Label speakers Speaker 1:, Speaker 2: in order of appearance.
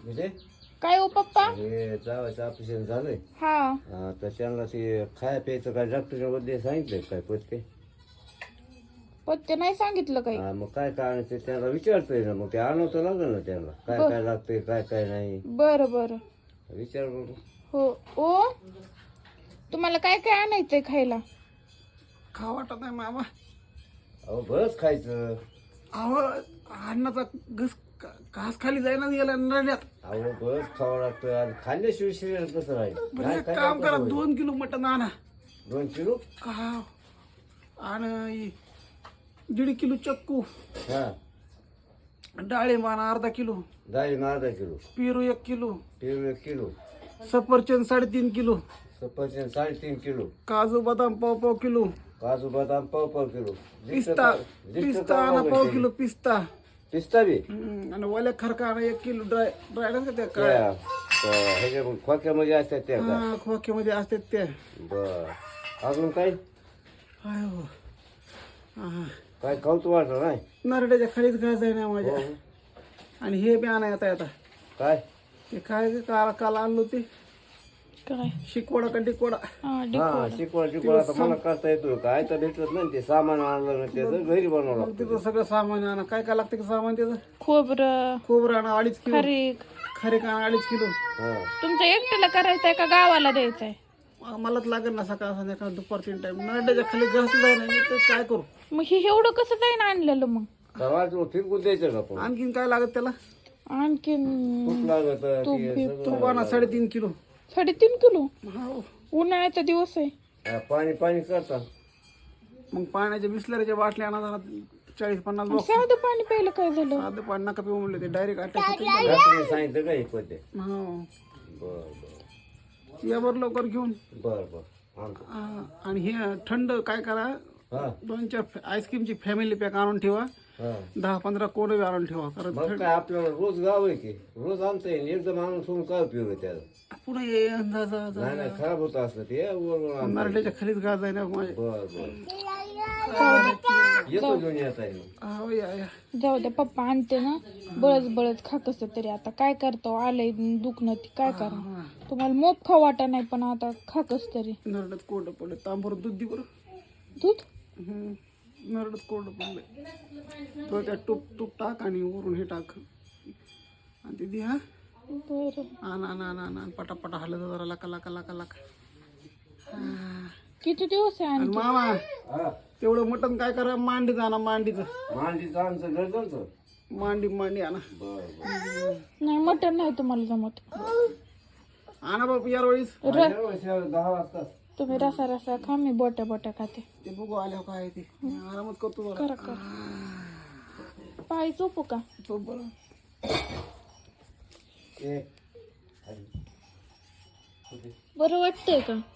Speaker 1: म्हणजे
Speaker 2: काय हो पप्पा?
Speaker 1: हे जावायचं ऑपरेशन झालंय.
Speaker 2: हा
Speaker 1: तर त्यांना ते खाया प्यायचं काय डॉक्टरच्या मध्ये सांगितलंय काय पत्ते?
Speaker 2: पत्ते नाही सांगितलं काही.
Speaker 1: मग काय काय ते त्यांना विचारतोय ना, मग ते आणावं तर लागेल ना त्यांना, काय काय लागतंय काय काय नाही
Speaker 2: बरं बरं.
Speaker 1: विचार बघू.
Speaker 2: हो ओ, तुम्हाला काय काय आणायचंय खायला?
Speaker 3: खा वाटत नाही मामा.
Speaker 1: अहो बरंच खायचं.
Speaker 3: अहो अन्नाचा घास खाली जाईना गेला नरड्यात.
Speaker 1: अहो बरंच खावं लागतं आणि खाल्ल्याशिवाय शरीर कसं राहील?
Speaker 3: बरं
Speaker 1: नाही
Speaker 3: एक
Speaker 1: काय
Speaker 3: काम करा,
Speaker 1: होईल?
Speaker 3: 2 किलो मटण आणा.
Speaker 1: 2 किलो?
Speaker 3: हा. आणि 1.5 किलो चक्कू,
Speaker 1: हा.
Speaker 3: डाळिंब आणा अर्धा किलो,
Speaker 1: डाळिंब अर्धा किलो,
Speaker 3: पेरू 1 किलो,
Speaker 1: पेरू 1 किलो,
Speaker 3: सफरचंद 3.5 किलो,
Speaker 1: सफरचंद 3.5 किलो,
Speaker 3: काजू बदाम पाव किलो,
Speaker 1: काजू बदाम पाव किलो,
Speaker 3: पिस्ता आणा पाव किलो पिस्ता.
Speaker 1: पिस्ता बी
Speaker 3: आणि ओल्या खरका आणा 1 किलो. ड्राय नाही का त्या
Speaker 1: ह्याच्या खोक्यामध्ये असतात त्या का?
Speaker 3: हा खोक्यामध्ये असतात त्या.
Speaker 1: बर अजून काय
Speaker 3: हाय हो. हा.
Speaker 1: काय खाऊच वाटलं नाही?
Speaker 3: नरड्याच्या खालीच घास आहे ना माझ्या. आणि हे बी आणा येता
Speaker 1: काय
Speaker 3: ते काय काल आणलो ते
Speaker 2: काय?
Speaker 3: शिकवडा का डिकोडा.
Speaker 1: हा शिकवड आता मला करता येतो काय तर भेटत नाही, ते सामान आणलं ना त्याचं घरी बनवलं
Speaker 3: मग तिथं सगळं सामान आणा. काय काय लागतं का सामान त्याचं?
Speaker 2: खोबरं,
Speaker 3: खोबरं आणा 2.5 किलो,
Speaker 2: खारीक.
Speaker 3: खारीक आणा 2.5 किलो.
Speaker 1: हा.
Speaker 2: तुमच्या एकट्याला करायचंय का गावाला द्यायचंय?
Speaker 3: मलाच लागेल ना सकाळ संध्याकाळ दुपार 3 टाइम. नरड्याच्या खाली घास जाय ना, मी तर काय करू?
Speaker 2: मग हे एवढं कसं जाईन आणलेलं मग?
Speaker 1: तर फिरकून द्यायचं का पण?
Speaker 3: आणखीन काय लागत त्याला?
Speaker 2: आणखीन
Speaker 1: खूप लागत ते सगळं.
Speaker 3: तूप आणा 3.5 किलो.
Speaker 2: 3.5 किलो.
Speaker 3: हो.
Speaker 2: उन्हाळ्याचा दिवस आहे.
Speaker 1: पाणी पाणी करता.
Speaker 3: मग पाण्याच्या बिस्लरीच्या बाटल्या आणा जरा 40-50 बॉक्स.
Speaker 2: साधं पाणी प्यायला काय झालं?
Speaker 3: साधं पाणी नका पिऊ म्हणले ते, डायरेक्ट अटॅक होते.
Speaker 1: डॉक्टरने सांगितलं का हे पद्धत?
Speaker 3: हो.
Speaker 1: बर
Speaker 3: या बरं लवकर घेऊन.
Speaker 1: बर बर आणतो.
Speaker 3: आणि हे थंड काय करा,
Speaker 1: हा
Speaker 3: 2-4 आईस्क्रीमची फॅमिली पॅक आणून ठेवा.
Speaker 1: हा
Speaker 3: 10-15 कोडे आणून ठेवा. कारण
Speaker 1: मग काय आपल्याला रोज गाव आहे की रोज आणता येईल, एकदम आणून ठेवून काय उपयोग आहे त्याला?
Speaker 3: पुढे ये जा जा जा.
Speaker 1: नाही नाही खराब होत असलं ते वर आणता येईल.
Speaker 3: नरड्याच्या खालीच घास आहे ना माझ्या.
Speaker 1: बर बर येतो घेऊन येता येईल.
Speaker 3: हो या.
Speaker 2: जाऊ द्या, पप्पा आणते ना. बळच खा कसं तरी. आता काय करतो, आलंय दुखणं ती काय करा. तुम्हाला मोप खाऊ वाटा नाही, पण आता खा कस तरी.
Speaker 3: नरड्यात कोरडं पडलं. तांबर दूध दे बरं.
Speaker 2: दूध
Speaker 3: नरड्यात कोरडं पडलंय. तो त्यात तूप टाक आणि वरून हे टाक आणि ते दे. हा
Speaker 2: बरं.
Speaker 3: आण पटापटा हलत जरा लाका.
Speaker 2: किती दिवस आहे
Speaker 3: आणि
Speaker 2: आणखी?
Speaker 3: मामा
Speaker 1: हा
Speaker 3: तेवढं मटण काय करा, मांडीत आणा. मांडीचं
Speaker 1: मांडीचं आमचं गरजचं.
Speaker 3: मांडी आणा.
Speaker 1: बर बर
Speaker 2: नाही, मटण नाही तुम्हाला जमत.
Speaker 3: आणा बाबा यावेळेस.
Speaker 1: 10 वाजता
Speaker 2: तुम्ही रसा खा, मी बोट्या खाते.
Speaker 3: ते बघू आल्यावर काय आहे ते. आरामात करतो जरा.
Speaker 2: करा. पाय चोपू का?
Speaker 3: तो बरं.
Speaker 1: ए
Speaker 2: बरं वाटतंय का?